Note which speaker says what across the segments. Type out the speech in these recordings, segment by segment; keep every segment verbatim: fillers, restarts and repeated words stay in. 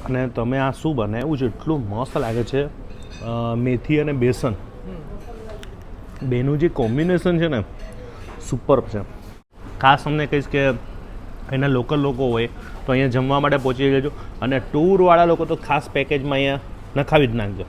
Speaker 1: અને તમે આ શું બનાવ્યું છે એટલું મસ્ત લાગે છે. મેથી અને બેસન બેનું જે કોમ્બિનેશન છે ને સુપર છે. ખાસ અમને કહીશ કે એના લોકલ લોકો હોય તો અહીંયા જમવા માટે પહોંચી જજો અને ટૂરવાળા લોકો તો ખાસ પેકેજમાં અહીંયા નખાવી જ નાખજો.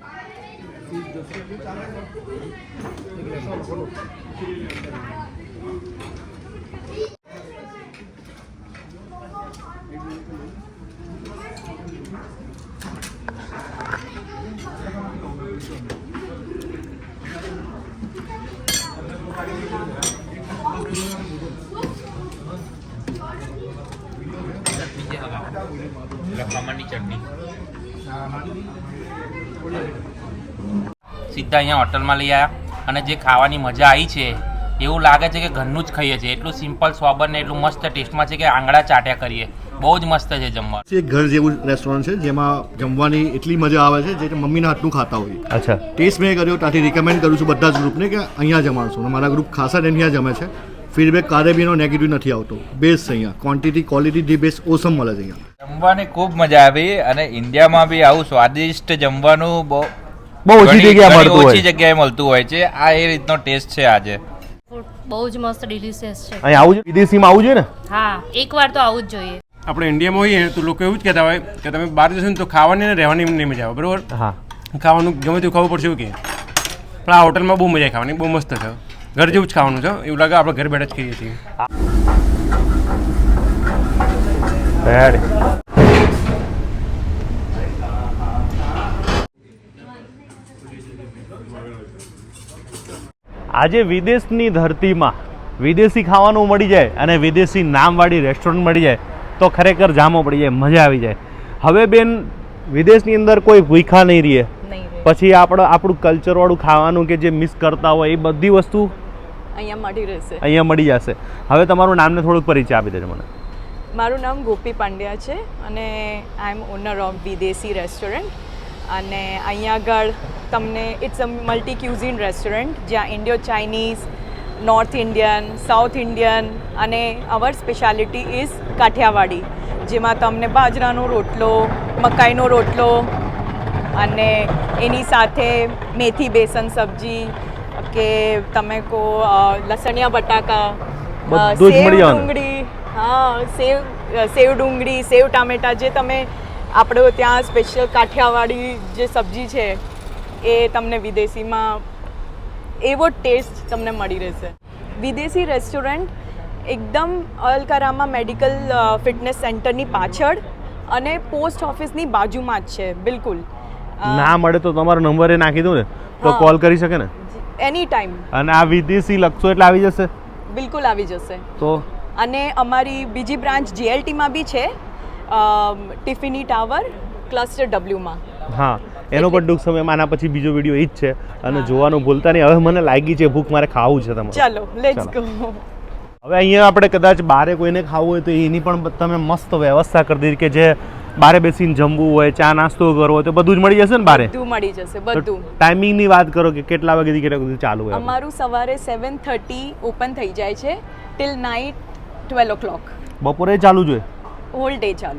Speaker 2: સીધા અહીંયા હોટલમાં લઈ આવ્યા અને જે ખાવાની મજા આવી છે એવું લાગે છે કે ઘરનું જ ખાઈએ છીએ. એટલું સિમ્પલ સ્વાબર ને એટલું મસ્ત ટેસ્ટમાં છે કે આંગળા ચાટ્યા કરીએ. બહુ જ મસ્ત છે જમવાનું.
Speaker 3: એક ઘર જેવું રેસ્ટોરન્ટ છે જેમાં જમવાની એટલી મજા આવે છે જે મમ્મીના હાથનું ખાતા હોય.
Speaker 1: અચ્છા.
Speaker 3: ટેસ્ટ મેં કર્યો ત્યાંથી રિકમેન્ડ કરું છું બધા જ ગ્રુપને કે અહીંયા જમાડશું. મારા ગ્રુપ ખાસા અહીંયા જમે છે. ફીડબેક કારે બીનો નેગેટિવ નથી આવતો. બેસ્ટ છે અહીંયા. Quantity quality the best awesome મળે છે અહીંયા.
Speaker 4: જમવાની ખૂબ મજા આવી અને ઇન્ડિયામાં બી આવું સ્વાદિષ્ટ જમવાનું બહુ
Speaker 1: બહુ ઓછી જગ્યાએ મળતું હોય
Speaker 4: ઓછી જગ્યાએ મળતું હોય છે. આ એ રીતનો ટેસ્ટ છે આજે.
Speaker 5: બહુ જ મસ્ત ડિલિશિયસ છે.
Speaker 1: અહીં આવું જોઈએ, વિદેશીમાં આવું જોઈએ ને.
Speaker 5: હા, એકવાર તો આવું જ જોઈએ.
Speaker 6: આપણે ઇન્ડિયામાં હોઈએ તો લોકો એવું જ કહેતા હોય કે તમે બહાર જશો ને તો ખાવાની ને રહેવાની નહીં મજા આવે. બરાબર.
Speaker 1: હા,
Speaker 6: ખાવાનું ગમે તેવું ખાવું પડશે એવું કે પણ આ હોટલમાં બહુ મજા ખાવાની. બહુ મસ્ત છે. ઘર જેવું જ ખાવાનું છે. એવું લાગે આપણે ઘર બેઠા જ ખાઈએ છીએ.
Speaker 1: આજે વિદેશની ધરતીમાં વિદેશી ખાવાનું મળી જાય અને વિદેશી નામવાળી રેસ્ટોરન્ટ મળી જાય તો ખરેખર જામો પડી જાય, મજા આવી જાય. હવે બેન વિદેશની અંદર કોઈ ભૂખા નહીં રહે. પછી આપણે આપણું કલ્ચરવાળું ખાવાનું કે જે મિસ કરતા હોય એ બધી વસ્તુ
Speaker 7: અહીંયા મળી રહેશે.
Speaker 1: અહીંયા મળી જશે. હવે તમારું નામને થોડુંક પરિચય આપી દેજો મને.
Speaker 7: મારું નામ ગોપી પાંડ્યા છે અને I am owner of Videshi restaurant. અને અહીંયા આગળ તમને it's a multi cuisine restaurant જ્યાં Indo Chinese, north Indian, south Indian અને અવર સ્પેશિયાલિટી ઇઝ કાઠિયાવાડી, જેમાં તમને બાજરાનો રોટલો, મકાઈનો રોટલો અને એની સાથે મેથી બેસન સબ્જી કે તમે કહો લસણિયા બટાકા, સેવ ડુંગળી, હા સેવ સેવ ડુંગળી, સેવ ટામેટા, જે તમે આપણે ત્યાં સ્પેશિયલ કાઠિયાવાડી જે સબ્જી છે એ તમને વિદેશીમાં એવો ટેસ્ટ તમને મળી રહેશે. વિદેશી રેસ્ટોરન્ટ એકદમ અલકરામા મેડિકલ ફિટનેસ સેન્ટરની પાછળ અને પોસ્ટ ઓફિસની બાજુમાં જ છે. બિલકુલ
Speaker 1: ના મળે તો તમારો નંબર એ નાખી દઉં ને તો કોલ કરી શકે ને
Speaker 7: એની ટાઈમ.
Speaker 1: અને આ વિદેશી લખશો એટલે આવી જશે.
Speaker 7: બિલકુલ આવી જશે.
Speaker 1: તો
Speaker 7: અને અમારી બીજી બ્રાન્ચ જીએલટીમાં બી છે, ટિફિની ટાવર ક્લસ્ટર ડબલ્યુમાં.
Speaker 1: હા, એનો પણ ટૂંક સમયમાં આના પછી બીજો વિડીયો એ જ છે અને જોવાનું ભૂલતા નહીં. હવે મને લાગી છે ભૂખ, મારે ખાવું છે તમારે.
Speaker 7: ચાલો લેટ્સ ગો.
Speaker 1: હવે અહીંયા આપણે કદાચ બારે કોઈને ખાવું હોય તો એની પણ તમે મસ્ત વ્યવસ્થા કરી દીધી કે જે બારે બેસીને જમવું હોય, ચા નાસ્તો કરવો હોય તો બધું જ મળી જશે ને બારે?
Speaker 7: બધું મળી જશે. બધું.
Speaker 1: ટાઈમિંગની વાત કરો કે કેટલા વાગ્યાથી કેટલા વાગે ચાલુ હોય?
Speaker 7: અમારું સવારે સેવન થર્ટી ઓપન થઈ જાય છે till night twelve o'clock.
Speaker 1: બપોરે ચાલુ જોઈએ?
Speaker 7: હોલ ડે ચાલુ.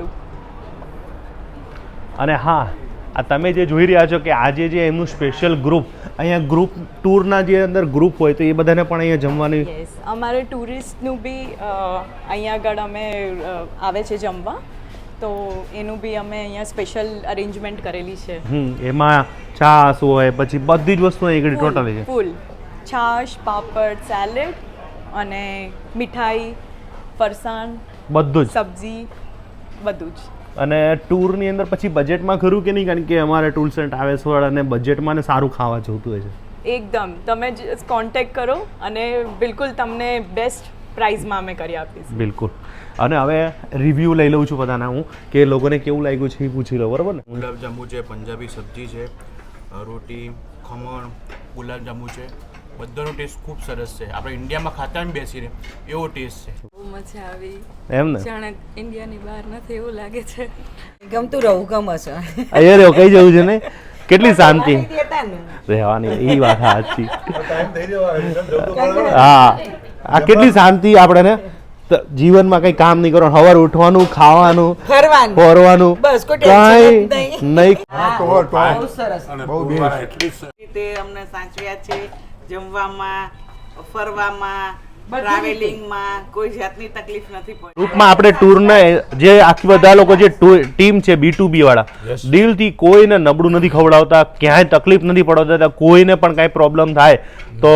Speaker 1: અને હા, આ તમે જે જોઈ રહ્યા છો કે આજે જે એમનું સ્પેશિયલ ગ્રુપ અહીંયા ગ્રુપ ટૂરના જે અંદર ગ્રુપ હોય તો એ બધાને પણ અહીંયા જમવાની.
Speaker 7: યસ, અમારે ટુરિસ્ટનું બી અહીંયા આગળ અમે આવે છે જમવા, તો એનું બી અમે અહીંયા સ્પેશિયલ અરેન્જમેન્ટ કરેલી છે.
Speaker 1: હમ એમાં છાશ હોય, પછી બધી જ વસ્તુ અહીં આગળ ટોટલી છે.
Speaker 7: ફૂલ છાશ, પાપડ, સેલેડ અને મીઠાઈ, ફરસાણ,
Speaker 1: બધું જ,
Speaker 7: સબ્જી, બધું જ.
Speaker 1: અને ટૂરની અંદર પછી બજેટમાં ખરું કે નહીં? કારણ કે અમારે ટૂલ્સ એન્ડ ટ્રાવેલ્સ વાળા અને બજેટમાં ને સારું ખાવા જોતું હોય છે.
Speaker 7: એકદમ તમે જ કોન્ટેક્ટ કરો અને બિલકુલ તમને બેસ્ટ પ્રાઇઝમાં અમે કરી આપીશું.
Speaker 1: બિલકુલ. અને હવે રિવ્યૂ લઈ લઉં છું બધાના હું કે લોકોને કેવું લાગ્યું છે એ પૂછી લઉં. બરાબર ને?
Speaker 3: ગુલાબજાંબુ છે, પંજાબી સબ્જી છે, રોટી, ખમણ, ગુલાબજાંબુ છે, બધાનો ટેસ્ટ ખૂબ સરસ છે. આપણે ઇન્ડિયામાં ખાતા ને બેસીને એવો ટેસ્ટ છે.
Speaker 8: બહુ મજા આવી.
Speaker 1: એમ ને?
Speaker 8: જાણે ઇન્ડિયાની બહાર નથી એવું લાગે છે.
Speaker 9: ગમતું રહું ગમે છે.
Speaker 1: અહીંયા રહ્યો કઈ જવું છે ને? કેટલી શાંતિ રહેવાની, એ વાત સાચી. હા, આ કેટલી શાંતિ આપણે ને તો જીવનમાં કંઈ કામ નહીં કરવાનું, સવારે ઉઠવાનું, ખાવાનું,
Speaker 9: ફરવાનું
Speaker 1: ફરવાનું,
Speaker 9: બસ કોઈ ટેન્શન જ
Speaker 1: કાંઈ
Speaker 9: નહીં.
Speaker 1: નહીં.
Speaker 9: બહુ સરસ રીતે અમને સાચવ્યા છે, જમવામાં, ફરવામાં, ટ્રાવેલિંગમાં કોઈ જાતની તકલીફ નથી પડી.
Speaker 1: ગ્રુપમાં આપણે ટૂરને જે આખી બધા લોકો જે ટીમ છે બી ટુ બી વાળા દિલથી કોઈને નબળું નથી ખવડાવતા, ક્યાંય તકલીફ નથી પડવાતા, કોઈને પણ કાંઈ પ્રોબ્લેમ થાય તો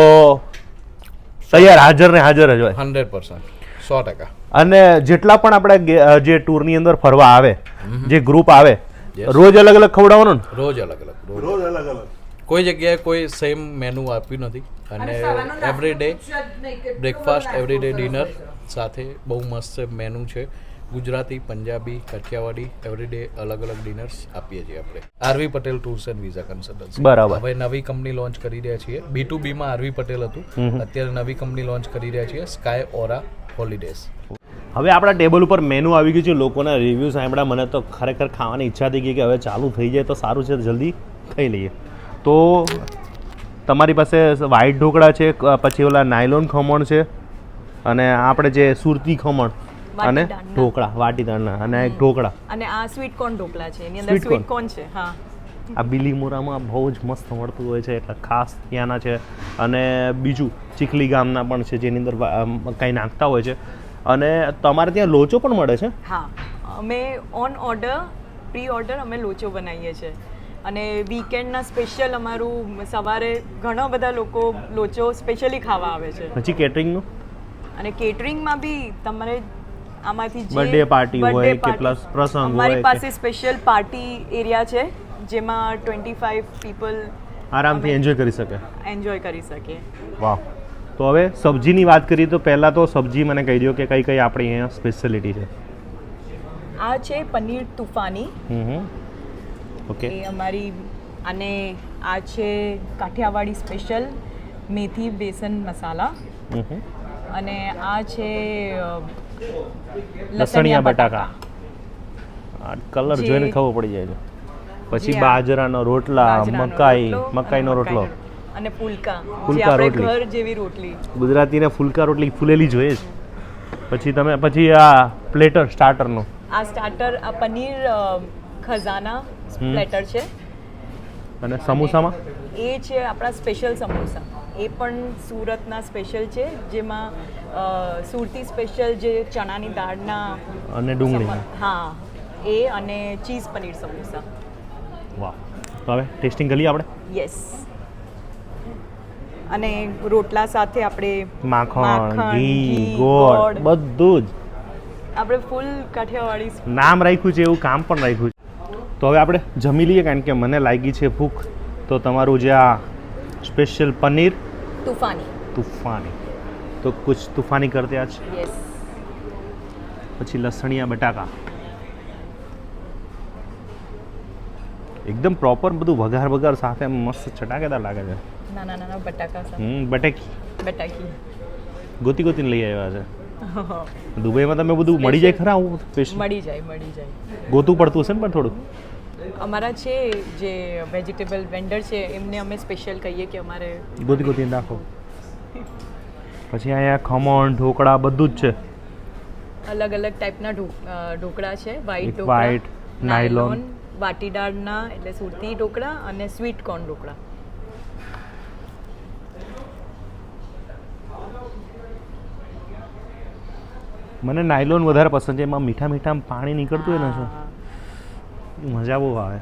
Speaker 1: તૈયાર હાજર ને હાજર જ હોય.
Speaker 10: હંડ્રેડ પર્સન્ટ સો ટકા.
Speaker 1: અને જેટલા પણ આપણે ગે- જે ટૂરની અંદર ફરવા આવે, જે ગ્રુપ આવે, રોજ અલગ અલગ ખવડાવવાનું ને?
Speaker 10: રોજ અલગ અલગ રોજ અલગ અલગ કોઈ જગ્યાએ કોઈ સેમ મેનુ આપ્યું નથી. અને every day breakfast, every day dinner સાથે બહુ મસ્ત મેનુ છે. ગુજરાતી, પંજાબી, કાઠિયાવાડી એવરી ડે અલગ અલગ ડિનર્સ આપીએ છીએ આપણે. RV Patel tours and visa consultancy.
Speaker 1: બરાબર.
Speaker 10: હવે નવી કંપની લોન્ચ કરી રહ્યા છીએ. બી ટુ બીમાં આરવી પટેલ હતું, અત્યારે નવી કંપની લોન્ચ કરી રહ્યા છીએ, સ્કાય ઓરા હોલિડેઝ.
Speaker 1: હવે આપણા ટેબલ ઉપર મેનુ આવી ગયું છે. લોકોના રિવ્યૂ સાંભળ્યા, મને તો ખરેખર ખાવાની ઈચ્છા થઈ ગઈ કે હવે ચાલુ થઈ જાય તો સારું છે, જલ્દી ખાઈ લઈએ. તો તમારી પાસે વ્હાઈટ ઢોકળા છે, પછી ઓલા નાયલોન ખમણ છે, અને આપણે જે સુરતી ખમણ અને
Speaker 7: વાટીદાળના.
Speaker 1: ઢોકળા, વાટીદાળના, અને એક ઢોકળા.
Speaker 7: અને આ સ્વીટ કોર્ન ઢોકળા છે, એની અંદર
Speaker 1: Sweet corn.
Speaker 7: સ્વીટ કોર્ન છે. હા,
Speaker 1: આ બિલીમોરામાં બહુ જ મસ્ત મળતું હોય છે, એટલે ખાસ ત્યાંના છે. અને બીજું ચીખલી ગામના પણ છે, જેની અંદર કંઈ નાખતા હોય છે. અને તમારે ત્યાં લોચો પણ મળે છે?
Speaker 7: હા, અમે ઓન ઓર્ડર, પ્રી ઓર્ડર અમે લોચો બનાવીએ છીએ. અને વીકેન્ડના સ્પેશિયલ અમારું સવારે ઘણા બધા લોકો લોચો સ્પેશિયલી ખાવા આવે છે.
Speaker 1: પછી કેટરિંગનું
Speaker 7: અને કેટરિંગમાં બી તમારે આમાંથી જે
Speaker 1: Birthday party હોય
Speaker 7: birthday
Speaker 1: કે
Speaker 7: party-
Speaker 1: plus પ્રસંગ હોય
Speaker 7: અમારી
Speaker 1: કે-
Speaker 7: પાસે સ્પેશિયલ પાર્ટી એરિયા છે, જેમાં ટ્વેન્ટી ફાઈવ પીપલ
Speaker 1: આરામથી એન્જોય કરી શકે.
Speaker 7: એન્જોય કરી શકે.
Speaker 1: વાહ. તો હવે સબ્જીની વાત કરીએ તો પહેલાં તો સબ્જી મને કહી દો કે કઈ કઈ આપણી અહીંયા સ્પેશિયાલિટી છે.
Speaker 7: આ છે પનીર તુફાની,
Speaker 1: હમ હમ ઓકે.
Speaker 7: એ અમારી. અને આ છે કાઠિયાવાડી સ્પેશિયલ મેથી બેસન મસાલા.
Speaker 1: હમ હમ.
Speaker 7: અને આ છે અ,
Speaker 1: લસણિયા બટાકા. આ કલર
Speaker 7: જે-
Speaker 1: જોઈને ખબર પડી જાય છે. પછી
Speaker 7: જે આ
Speaker 1: બાજરાનો રોટલા,
Speaker 7: બાજરાનો
Speaker 1: મકાઈ,
Speaker 7: રોટલો અને
Speaker 1: મકાઈનો રોટલો,
Speaker 7: મકાઈનો- અને ફુલકા, જે
Speaker 1: ફુલકા
Speaker 7: આપણે
Speaker 1: રોટલી.
Speaker 7: ઘર જેવી રોટલી.
Speaker 1: ગુજરાતીને ફુલકા રોટલી ફૂલેલી જોઈએ જ. પછી તમે પછી આ પ્લેટર સ્ટાર્ટરનું
Speaker 7: આ સ્ટાર્ટર, આ પનીર અ, ખજાના પ્લેટર છે.
Speaker 1: અને સમોસામાં
Speaker 7: એ છે આપણા સ્પેશિયલ સમોસા. એ પણ સુરતના સ્પેશિયલ છે, જેમાં અ, સુરતી સ્પેશિયલ જે ચણાની દાળના
Speaker 1: અને ડુંગળી.
Speaker 7: સમ- હા, એ અને ચીઝ પનીર સમોસા.
Speaker 1: વાહ. તો હવે ટેસ્ટિંગ કરીએ આપણે.
Speaker 7: યસ. અને રોટલા સાથે આપણે
Speaker 1: માખણ, ઘી, ગોળ બધું જ
Speaker 7: આપણે ફૂલ કાઠિયાવાડી.
Speaker 1: નામ રાખ્યું છે એવું કામ પણ રાખ્યું છે. તો હવે આપણે જમી લઈએ, કારણ કે મને લાગી છે ભૂખ. તો તમારું જે આ સ્પેશિયલ પનીર
Speaker 7: તુફાની.
Speaker 1: તૂફાની, તો કુછ તૂફાની કરતે આજ.
Speaker 7: યસ.
Speaker 1: પછી લસણિયા બટાકા, એકદમ પ્રોપર બધું વઘાર વઘાર સાથે મસ્ત ચટાકેદાર લાગે છે.
Speaker 7: નાના નાના બટાકા સાથે
Speaker 1: હમ બટેકી
Speaker 7: બટાકી.
Speaker 1: ગોતી ગોતીને લઈ આવ્યા છે. દુબઈમાં તમે બધું મળી જાય ખરા? આવું સ્પેશિયલ
Speaker 7: મળી જાય, મળી જાય.
Speaker 1: ગોતું પડતું હશે ને પણ થોડું.
Speaker 7: અમારા છે જે વેજીટેબલ વેન્ડર છે, એમને અમે સ્પેશિયલ કહીએ કે અમારે
Speaker 1: ગોતી ગોતીને રાખો. પછી અહીંયા ખમણ, ઢોકળા બધું જ છે.
Speaker 7: અલગ અલગ ટાઈપના ઢો- અ, ઢોકળા છે. વ્હાઈટ
Speaker 1: એક
Speaker 7: ઢોકળા,
Speaker 1: white, nylon.
Speaker 7: વાટીદાળના એટલે સુરતી ઢોકળા, અને સ્વીટ કોર્ન ઢોકળા.
Speaker 1: મને નાયલોન વધારે પસંદ છે. એમાં મીઠા મીઠા પાણી નીકળતું હોય ને,
Speaker 7: હા.
Speaker 1: શું મજા બહુ આવે.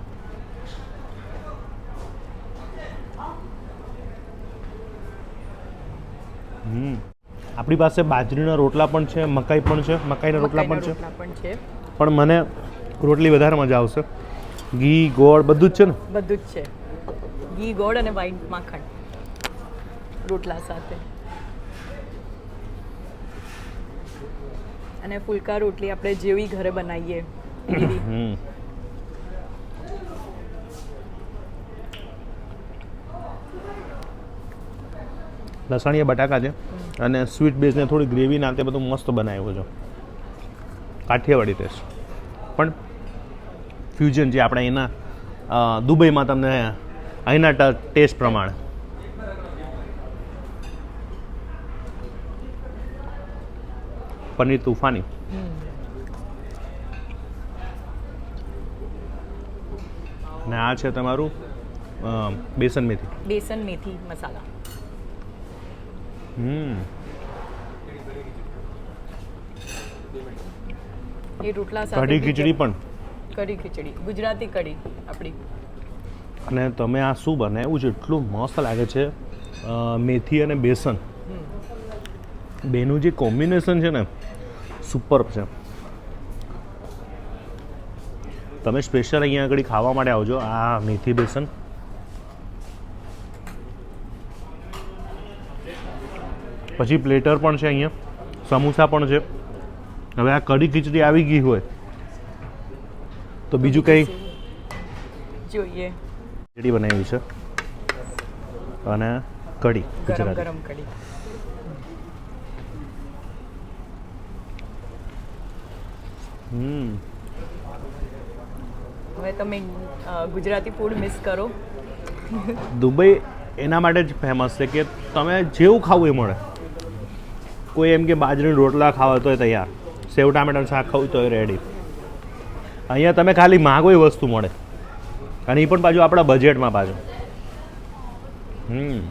Speaker 1: હમ આપણી પાસે બાજરીના રોટલા પણ છે, મકાઈ પણ છે, મકાઈના રોટલા પણ છે.
Speaker 7: મકાઈના રોટલા પણ છે.
Speaker 1: પણ મને રોટલી વધારે મજા આવશે. ઘી, ગોળ બધું જ છે ને?
Speaker 7: બધું જ છે. ઘી, ગોળ અને વ્હાઈટ માખણ રોટલા સાથે. અને ફુલકા રોટલી આપણે જેવી ઘરે બનાવીએ એવી.
Speaker 1: હમ લસણીયા બટાકા છે, અને સ્વીટ બેઝને થોડી ગ્રેવી નાખે બધું મસ્ત બનાવ્યું છે. કાઠિયાવાડી ટેસ્ટ પણ ફ્યુઝન જે આપણે અહીંના અ, દુબઈમાં તમને અહીંના ટેસ્ટ પ્રમાણે. પનીર તુફાની. અને આ છે તમારું અ, બેસન મેથી.
Speaker 7: બેસન મેથી મસાલા.
Speaker 1: હમ
Speaker 7: એ રોટલા સાથે
Speaker 1: કઢી
Speaker 7: બી
Speaker 1: ખીચડી પણ.
Speaker 7: કઢી ખીચડી ગુજરાતી કઢી આપણી.
Speaker 1: અને તમે આ શું બનાવ્યું છે એટલું મસ્ત લાગે છે. અ, મેથી અને બેસન બેનું જે કોમ્બિનેશન છે ને સુપર છે. તમે સ્પેશિયલ અહીંયા આગળ ખાવા માટે આવજો. આ મેથી બેસન પછી પ્લેટર પણ છે અહીંયા, સમોસા પણ છે. હવે આ કઢી ખીચડી આવી ગઈ હોય તો બીજું કંઈ
Speaker 7: જોઈએ.
Speaker 1: ખીચડી બનાવી છે અને કઢી
Speaker 7: ગરમ
Speaker 1: ગુજરાતી.
Speaker 7: ગરમ કઢી.
Speaker 1: હમ
Speaker 7: હવે તમે અ, ગુજરાતી ફૂડ મિસ કરો.
Speaker 1: દુબઈ એના માટે જ ફેમસ છે કે તમે જેવું ખાવું એ મળે. કોઈ એમ કે બાજરીના રોટલા ખાવા તોય તૈયાર, સેવ ટામેટાનું શાક ખાવું તોય રેડી. અહીંયા તમે ખાલી માગો એ વસ્તુ મળે, અને એ પણ પાછું આપણા બજેટમાં પાછું. હમ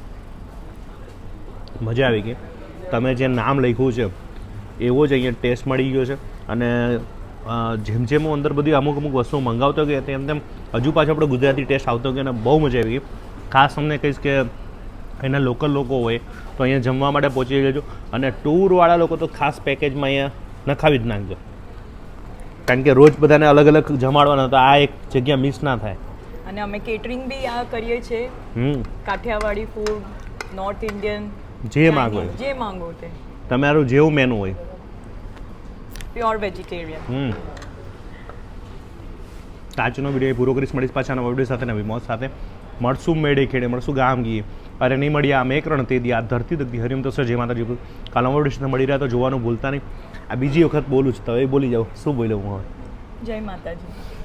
Speaker 1: મજા આવી ગઈ. તમે જે નામ લખ્યું છે એવો જ અહીંયા ટેસ્ટ મળી ગયો છે. અને અ, જેમ જેમ હું અંદર બધી અમુક અમુક વસ્તુઓ મંગાવતો ગયો તેમ તેમ હજુ પાછો આપણો ગુજરાતી ટેસ્ટ આવતો ગયો અને બહુ મજા આવી ગઈ. ખાસ તમને કહીશ કે એના લોકલ લોકો હોય તો અહીંયા જમવા માટે પહોંચી જજો. અને ટૂરવાળા લોકો તો ખાસ પેકેજમાં અહીંયા નખાવી જ નાખજો, કારણ કે રોજ બધાને અલગ અલગ જમાડવાના, તો આ એક જગ્યા મિસ ના થાય.
Speaker 7: અને અમે કેટરિંગ બી આ કરીએ છીએ.
Speaker 1: હમ
Speaker 7: કાઠિયાવાડી ફૂડ, નોર્થ ઇન્ડિયન,
Speaker 1: જે માગો એ.
Speaker 7: જે માંગો તે.
Speaker 1: તમારું જેવું મેનુ હોય.
Speaker 7: Pure vegetarian.
Speaker 1: હમ આજનો વિડીયો પૂરો કરીશ. મળીશ પાછા નવા વિડીયો સાથે, નવી મોજ સાથે. મળશું મેળે ખેડે, મળશું ગામ ગીએ. અરે નહીં મળીએ આમ એક રણ તે દી, આ ધરતી દગતી હરિમ તો સર જય માતાજી. કાલ નવા વિડીયો સાથે મળી રહ્યા તો જોવાનું ભૂલતા નહીં. આ બીજી વખત બોલું છું, તો એ બોલી જાઓ. શું બોલ્યો હું હવે?
Speaker 7: જય માતાજી.